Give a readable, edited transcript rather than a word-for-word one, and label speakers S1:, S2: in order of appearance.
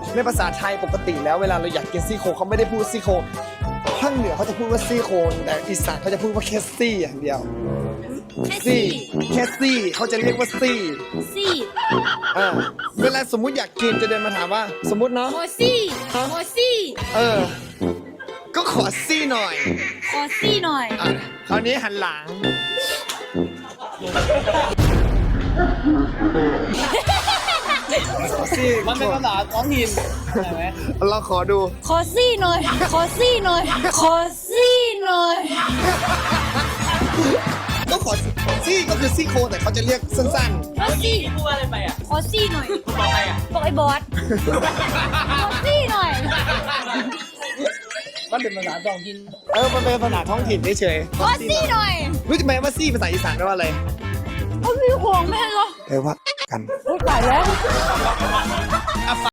S1: ในภาษาไทยปกติแล้วเวลาเราอยากกินซี่โครงเขาไม่ได้พูดซี่โครงภาคเหนือเขาจะพูดว่าซี่โครงแต่อีสานเขาจะพูดว่าแคสซี่อย่างเดียว ซี่แคสซี่เขาจะเรียกว่าซี่
S2: ซี่
S1: เวลาสมมุติอยากกินจะเดินมาถามว่า สมมุติเนาะ
S2: โมซี่โมซี่
S1: ก็ขอซี่หน่อย
S2: ขอซี่หน่อย
S1: คราวนี้หันหลังขอซี่
S3: มันเป็นภาษาท้องถิ่นใช่ไหม
S1: เราขอดู
S2: ขอซี่หน่อย ขอซี่หน่อย ขอซี่หน่อย
S1: ก็ขอซี่ก็คือซี่โครงแต่เขาจะเรียกสั้น
S2: ขอซี่
S3: พูดว่าอะไรไปอ่ะ
S2: ขอซี่หน่อย
S3: บอกใครอ่ะ
S2: บอกไอ้บอส ขอซี่หน่อย
S3: มันเป็นภาษาท้องถิ่น
S1: ๆมันเป็นภาษาท้องถิ่นเฉย
S2: ขอซี่หน่อย
S1: ๆรู้ไหมว่าซี่ภาษาอีสานแปลว่าอะไร
S2: เขามีห่วงแม่เหรอ
S1: แปลว่ากัน
S2: โอ้ยตายแล้ว
S1: ฝ